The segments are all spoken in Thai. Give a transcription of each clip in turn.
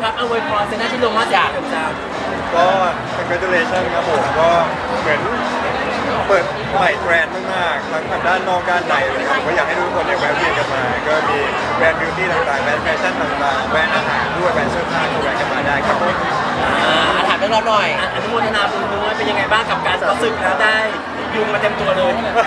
ครับอวยพรเซนต์ที่ลงมาจากจ้าก็ congratulation ครับผมก็เหมือนเปิดใหม่แบรนด์มากๆทั้งทางด้านนอกด้านในเลยครับก็อยากให้ทุกคนเนี่ยแวะเวียนกันมาก็มีแบรนด์บิวตี้ต่างๆแบรนด์แฟชั่นต่างๆแบรนด์อาหารด้วยแบรนด์เสื้อผ้าก็แวะกันมาได้ครับผมถามเรื่องเราหน่อยอนุโมทนาบุญด้วยเป็นยังไงบ้างกับการรู้สึกแล้วได้ยุงมาเต็มตัวเลย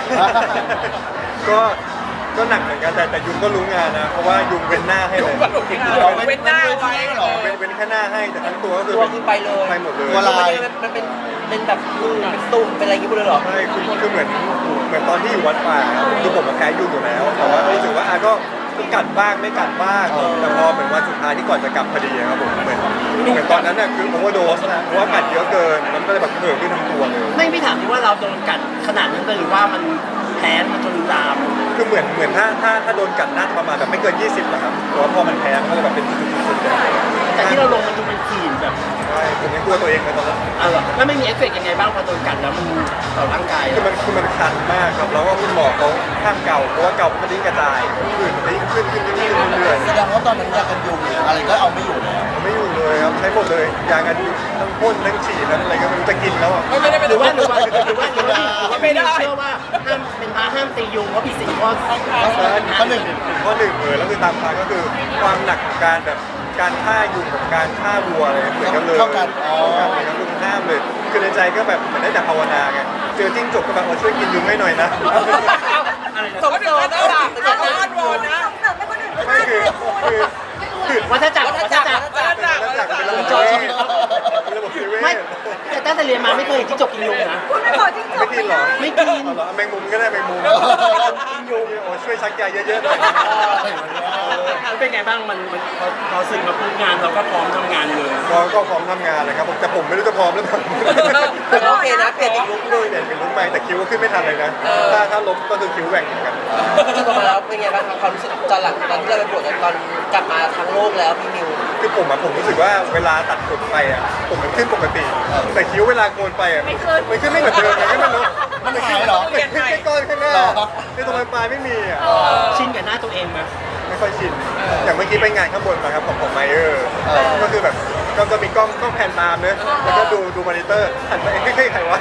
ก็หนักเหมือนกันแต่ยุงก็รู้งานนะเพราะว่ายุงเว้นหน้าให้เลยเว้นหน้าไว้เหรอเว้นแค่หน้าให้แต่ทั้งตัวก็คือไปเลยไปหมดเลยตัวลายมันเป็นแบบเป็นตุ่มเป็นอะไรอย่างงี้หมดเลยหรอใช่คือเหมือนตอนที่อยู่วัดป่าคือผมแพ้ยุงอยู่แล้วแต่ว่ารู้สึกว่าก็กัดบ้างไม่กัดบ้างแต่พอเหมือนวันสุดท้ายที่ก่อนจะกลับพอดีครับผมเหมือนตอนนั้นน่ะคือโอเวอร์โดสนะเพราะว่ากัดเยอะเกินมันก็เลยแบบเกิดขึ้นทั้งตัวเลยไม่ถามที่ว่าเราโดนกัดขนาดนั้นเลยหรือว่ามันแพ้มาจนลามคือเหมือนถ้าโดนกัดน่าจะประมาณแบบไม่เกิน20นะครับแต่ว่าพอมันแพ้มันก็เลยแบบเป็นจุดๆแต่ที่เราลงมันดูเป็นขีดแบบใช่ผมยังกลัวตัวเองเลยตอนนั้นแล้วไม่มีเอฟเฟกต์ยังไงบ้างพอโดนกัดแล้วมันต่อร่างกายคือมันคันมากครับแล้วก็คุณหมอเขาห้ามเกาเพราะว่าเกามันยิ่งกระจายผื่นมันยิ่งขึ้นเรื่อยๆแสดงว่าตอนนั้นยากันยุงอะไรก็เอาไม่อยู่เลยไม่อยู่เลยครับใช้หมดเลยยากันยุงทั้งพ่นทั้งฉีดทั้งอะไรก็ไม่รู้จะกินแล้วอ่ะไม่ได้หรือว่าไม่ได้เชื่อว่าห้ามเป็นพระห้ามตียุงเพราะผิดศีลข้อหนึ่งแล้วคือตามพระก็คือความหนักของการแบบการฆ่ายุงกับการฆ่าวัวอะไรเหมือนกันเลยเท่ากันเลยนะคือห้ามเลยคือในใจก็แบบเหมือนได้แต่ภาวนาไงเจอจิ้งจกก็แบบช่วยกินยุงให้หน่อยนะสมเด็จได้หรออ้อนวอนนะไม่คือวัฏจักรเป็นระบบเวทไม่แต่ตั้งแต่เรียนมาไม่เคยเห็นจิ้งจกกินยุงนะไม่กินหรอไม่กินแมงมุมก็ได้แมงมุมกินยุงโอ้ช่วยชักยาเยอะๆหน่อยเป็นไงบ้างมันพอสึกมาพูดงานเราก็พร้อมทำงานเลยก็พร้อมทำงานเลยครับแต่ผมไม่รู้จะพร้อมหรือเปล่าโอเคนะเปลี่ยนอีกลุคด้วยเป็นลุคใหม่แต่คิ้วก็ขึ้นไม่ทันเลยนะถ้าล้มก็คือคิ้วแหว่งเหมือนกันจบมาแล้วเป็นไงบ้างความรู้สึกตอนหลังตอนที่เราไปบวชตอนกลับมาทั้งโลกแล้วพี่มิวคือผมรู้สึกว่าเวลาตัดผมไปอ่ะผมมันขึ้นปกติแต่คิ้วเวลาโกนไปอ่ะมันขึ้นไม่เหมือนเดิมเลยไม่รู้มันหายเหรอเป็นแค่ก้อนข้างหน้าในตรงปลายไม่มีอ่ะชินกับหน้าตัวเองไหมไม่ค่อยชินอย่างเมื่อกี้ไปงานข้างบนมาครับของไมเออร์ก็คือแบบก็มีกล้องแผ่นตามเนอะแล้วก็ดูมอนิเตอร์หันไปเฮ้ยใครวะ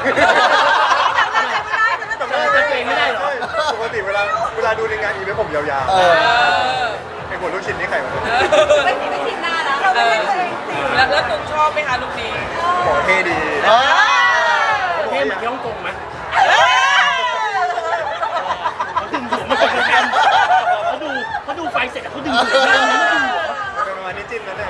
จำตัวเองไม่ได้หรอปกติเวลาดูในงานอีเวนต์ผมยาวๆไอ้หัวลูกชิ้นนี่ใครวะไม่ชินหน้าแล้วเราไม่เคยแล้วตุ๊กชอบไหมคะลูกนี้หมอเท่ดีเท่เหมือนที่ฮ่องกงไหมเขาดูไฟเสร็จแล้วเขาดึงหัวเป็นประมาณนี้จิ้นนะเนี่ย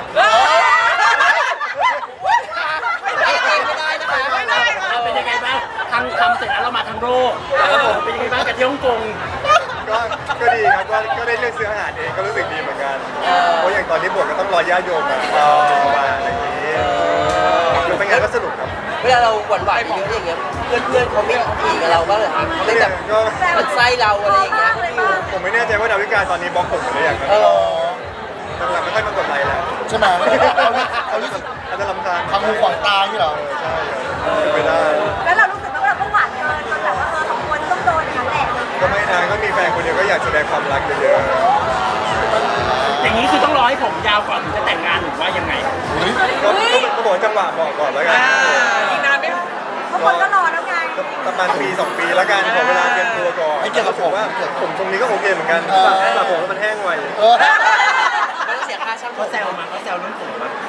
เป็นยังไงบ้างทำเสร็จแล้วเรามาทางโลกเป็นยังไงบ้างกับที่ฮ่องกงก็ดีครับก็ได้เลือกซื้ออาหารเองก็รู้สึกดีเหมือนกันเพราะอย่างตอนที่บวชก็ต้องรอญาติโยมมาอะไรอย่างนี้คือเป็นงานก็สนุกครับเวลาเราหวั่นไหวเยอะอย่างเงี้ยเพื่อนเขาไม่ผีกับเราบ้างเหรอครับเขาไม่แบบมันไส้เราอะไรอย่างเงี้ยผมไม่แน่ใจว่าดาวิกาตอนนี้บล็อกผมหรือยังนะหลังๆไม่ค่อยมากดไลค์แล้วใช่ไหมเขารู้สึกอาจจะรำคาญทำมือขวางตาที่เหรอใช่ไม่ได้แล้วเรารู้สึกว่าเราก็หวานเกินจนแบบว่าสองคนต้องโดนอย่างนั้นแหละก็ไม่นานก็มีแฟนคนเดียวก็อยากแสดงความรักเยอะๆอย่างนี้คือต้องรอให้ผมยาวก่อนถึงจะแต่งงานหรือว่ายังไงก็บอกจังหวะบอกก่อนแล้วกันอีกนานไหมบางคนก็รอแล้วไงประมาณปี2 ปีแล้วกันขอเวลาเตรียมตัวก่อนไม่เกี่ยวกับผมว่าผมตรงนี้ก็โอเคเหมือนกันแต่ผมแล้วมันแห้งไวไม่ต้องเสียค่าช่างเขาแซวเรื่องผมมา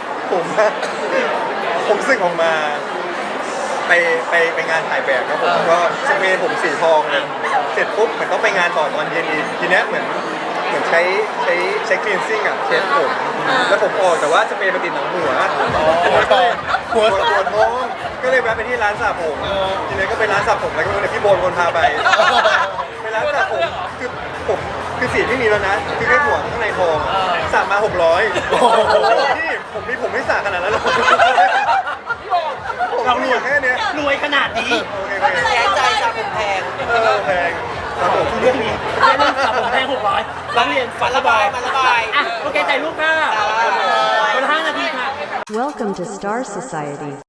ผมสึกออกมาไปงานถ่ายแบบครับผมก็สเปรย์ผมสีทองเลยเสร็จปุ๊บเหมือนต้องไปงานต่อตอนเย็นอีกทีนี้เหมือนใช้คลีนซิ่งอ่ะเช็ดผมแล้วผมออกแต่ว่าสเปรย์ไปติดหนังหัวท้องก็เลยแวะไปที่ร้านสระผมทีนี้ก็ไปร้านสระผมแล้วก็เลยพี่โบนคนพาไปร้านสระผมคือสีไม่มีแล้วนะคือแค่หัวข้างในทองสระมา600ที่ผมไม่สระขนาดนั้นหรอกเรารวยแค่นี้รวยขนาดนี้แพงใจสระผมแพงแพงเรื่องนี้เรื่องสระผมแพง600ร้องเรียนฝันระบายโอเคใจลูกค่ะคนละ5 นาทีค่ะ Welcome to Star Society